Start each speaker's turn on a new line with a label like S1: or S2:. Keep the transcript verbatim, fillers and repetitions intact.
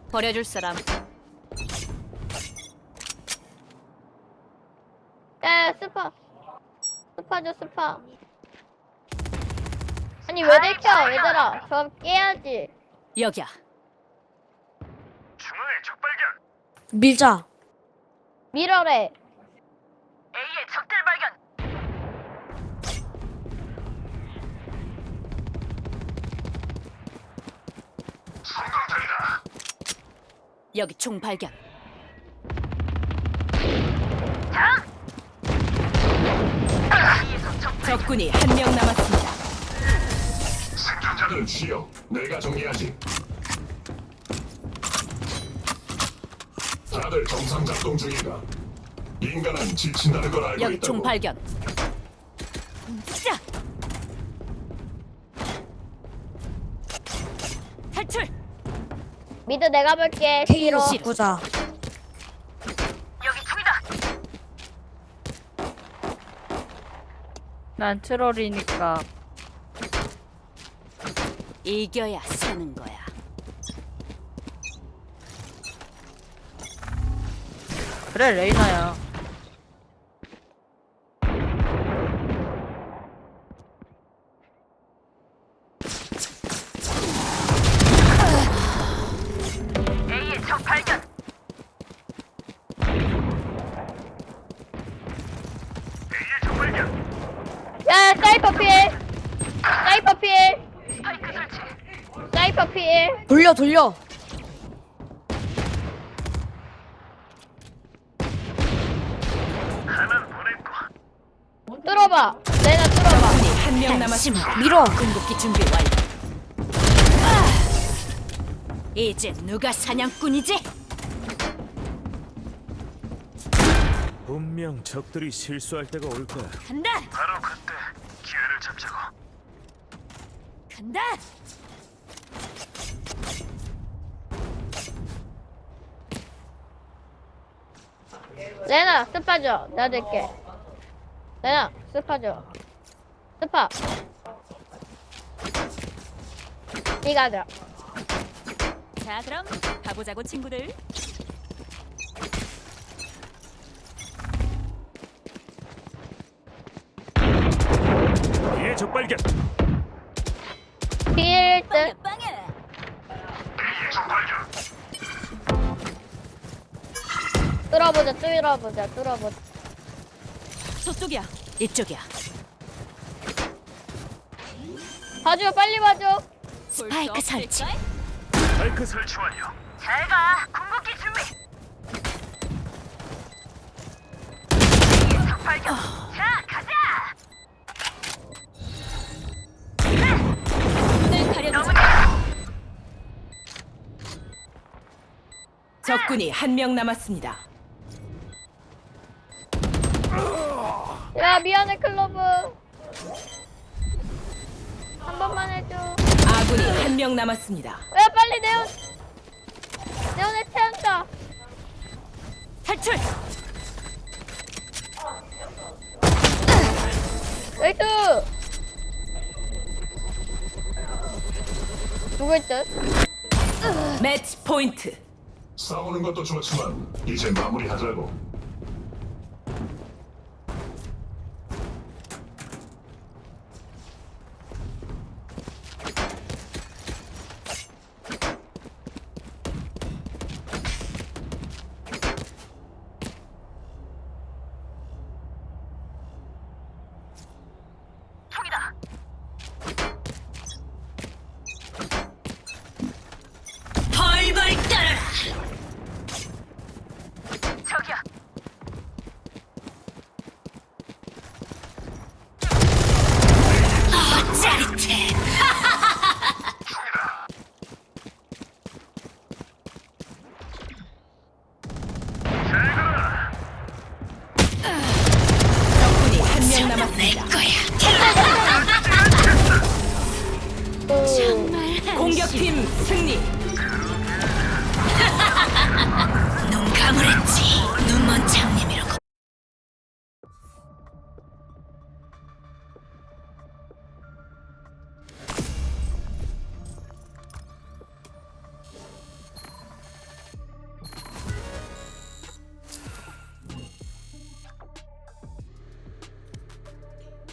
S1: 버려줄 사람.
S2: 야, 스파. 스파 줘, 스파. 아니, 왜 들켜, 얘들아. 저 깨야지.
S1: 여기야.
S3: 중앙에 적발견.
S4: 밀자.
S2: 밀어래.
S3: A의 적들 발견. 성공적이다.
S1: 여기 총 발견. 적군이 한 명 남았습니다.
S3: 생존자들은 쉬어. 내가 정리하지. 다들 정상 작동 중이다. 인간은 지친다는 걸 알고
S1: 여기
S3: 있다고.
S1: 총 발견. 자. 탈출.
S2: 미드 내가 볼게.
S4: K로
S2: 싫어.
S4: 바꾸자.
S3: 여기 총이다.
S5: 난 트롤이니까.
S1: 이겨야 사는 거야.
S5: 그래, 레이나야.
S3: A의 적 발견. A의 적 발견.
S2: 야, 사이퍼 필. 사이퍼 필.
S3: 스파이크 설치.
S2: 사이퍼 필.
S4: 돌려 돌려.
S3: 하나는 보냈고.
S2: 뚫어봐. 내가 뚫어봐.
S1: 적군이 한 명 남았습니다.
S4: 밀어.
S1: 궁극기 준비 완료. 아! 이제 누가 사냥꾼이지?
S6: 분명 적들이 실수할 때가 올 거야.
S1: 간다.
S3: 바로 그때 기회를 잡자고.
S1: 간다.
S2: 레나, 스파 줘. 내가 들게. 레나, 스파 줘. 스파. 니가 줘.
S1: 자, 그럼 가보자고 친구들.
S6: A의 적발견.
S2: 필 듯.
S1: 빵에.
S3: A의 적 발견.
S2: 뚫어보자, 뚫어보자, 뚫어보자.
S1: 저쪽이야. 이쪽이야.
S2: 봐줘, 빨리 봐줘.
S1: 스파이크 설치.
S6: 스파이크 설.
S3: 설치 완료. 잘가. 궁극기 준비. A의 적 발견. 자, 가자.
S1: 눈을 가려주지. 적군이 한 명 남았습니다.
S2: 야, 미안해, 클로브. 한 번만 해줘.
S1: 아군이 한 명 남았습니다.
S2: 야, 빨리 네온. 네온에 태운다.
S1: 탈출.
S2: 웨이트. 누굴 듯?
S1: 매치 포인트.
S3: 싸우는 것도 좋지만 이제 마무리하자고.